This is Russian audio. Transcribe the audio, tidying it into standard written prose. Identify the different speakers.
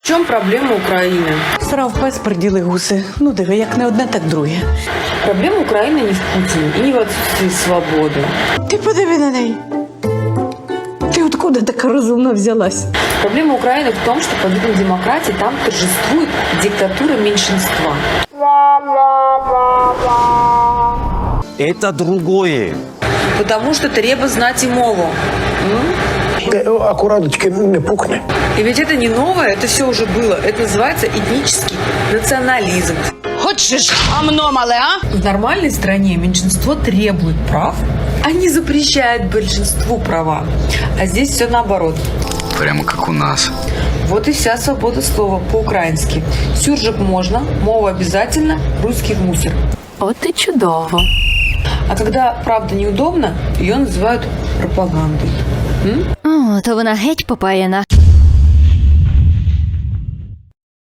Speaker 1: В чому проблема України?
Speaker 2: Срав пес, приділи гуси. Ну, диви, як не одне, так друге.
Speaker 1: Проблема України не в Путине и не в отсутствии свободы.
Speaker 2: Ти подиви на неї. Ти откуда така розумна взялась?
Speaker 1: Проблема Украины в том, что под видом демократии там торжествует диктатура меньшинства.
Speaker 3: Это другое.
Speaker 1: Потому что треба знать и мову.
Speaker 4: Аккураточки не пухне.
Speaker 1: И ведь это не новое, это все уже было. Это называется этнический национализм.
Speaker 5: Хочеш гамно мале, а?
Speaker 1: В нормальной стране меньшинство требует прав, а не запрещает большинству права. А здесь все наоборот.
Speaker 6: Прямо как у нас.
Speaker 1: Вот и вся свобода слова по-украински. Сюржик можно, мова обязательно, русский в мусор.
Speaker 7: От і чудово.
Speaker 1: А когда правда неудобно, ее называют пропагандой.
Speaker 7: О, то вона геть попаяна.